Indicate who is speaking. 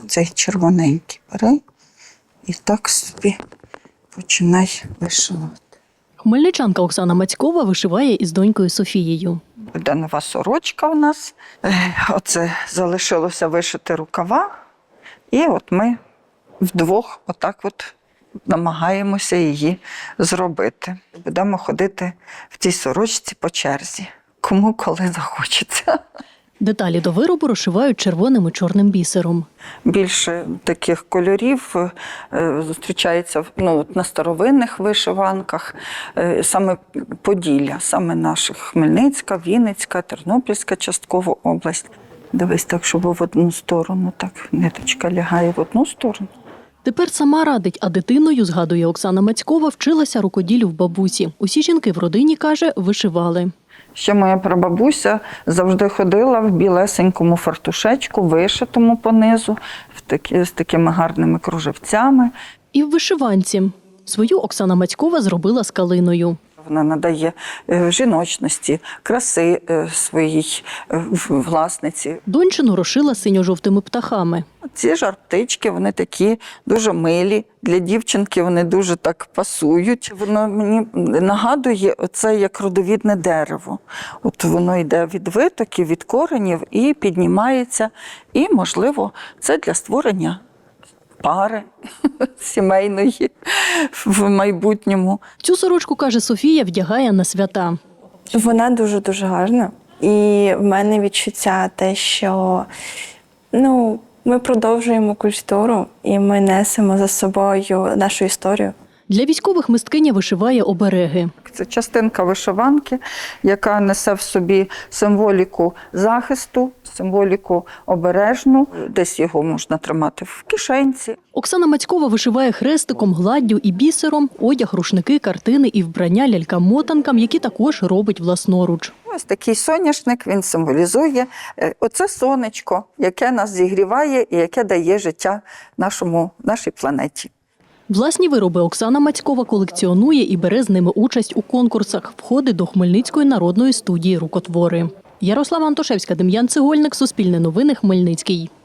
Speaker 1: Цей червоненький бери і так собі починай вишивати.
Speaker 2: Хмельничанка Оксана Мацькова вишиває із донькою Софією.
Speaker 1: Буде нова сорочка у нас. Оце залишилося вишити рукава. І от ми вдвох отак от намагаємося її зробити. Будемо ходити в цій сорочці по черзі. Кому коли захочеться.
Speaker 2: Деталі до виробу розшивають червоним і чорним бісером.
Speaker 1: Більше таких кольорів зустрічається на старовинних вишиванках, саме Поділля, саме наших Хмельницька, Вінницька, Тернопільська частково область. Дивись так, щоб в одну сторону, так ниточка лягає в одну сторону.
Speaker 2: Тепер сама радить, а дитиною, згадує Оксана Мацькова, вчилася рукоділлю в бабусі. Усі жінки в родині, каже, вишивали.
Speaker 1: Ще моя прабабуся завжди ходила в білесенькому фартушечку, вишитому понизу, з такими гарними кружевцями.
Speaker 2: І в вишиванці. Свою Оксана Мацькова зробила з калиною.
Speaker 1: Вона надає жіночності, краси своїй власниці.
Speaker 2: Дончину розшила синьо-жовтими птахами.
Speaker 1: Ці жар-птички, вони такі дуже милі. Для дівчинки вони дуже так пасують. Воно мені нагадує оце як родовідне дерево. От воно йде від витоків, від коренів і піднімається. І, можливо, це для створення пари сімейної в майбутньому.
Speaker 2: Цю сорочку, каже Софія, вдягає на свята.
Speaker 3: Вона дуже-дуже гарна. І в мене відчуття те, що ми продовжуємо культуру і ми несемо за собою нашу історію.
Speaker 2: Для військових мисткиня вишиває обереги.
Speaker 1: Це частинка вишиванки, яка несе в собі символіку захисту, символіку обережну. Десь його можна тримати в кишенці.
Speaker 2: Оксана Мацькова вишиває хрестиком, гладдю і бісером, одяг, рушники, картини і вбрання лялькам-мотанкам, які також робить власноруч.
Speaker 1: Ось такий соняшник, він символізує оце сонечко, яке нас зігріває і яке дає життя нашій планеті.
Speaker 2: Власні вироби Оксана Мацькова колекціонує і бере з ними участь у конкурсах, входить до Хмельницької народної студії рукотвори. Ярослава Антошевська, Дем'ян Цегольник, Суспільне новини, Хмельницький.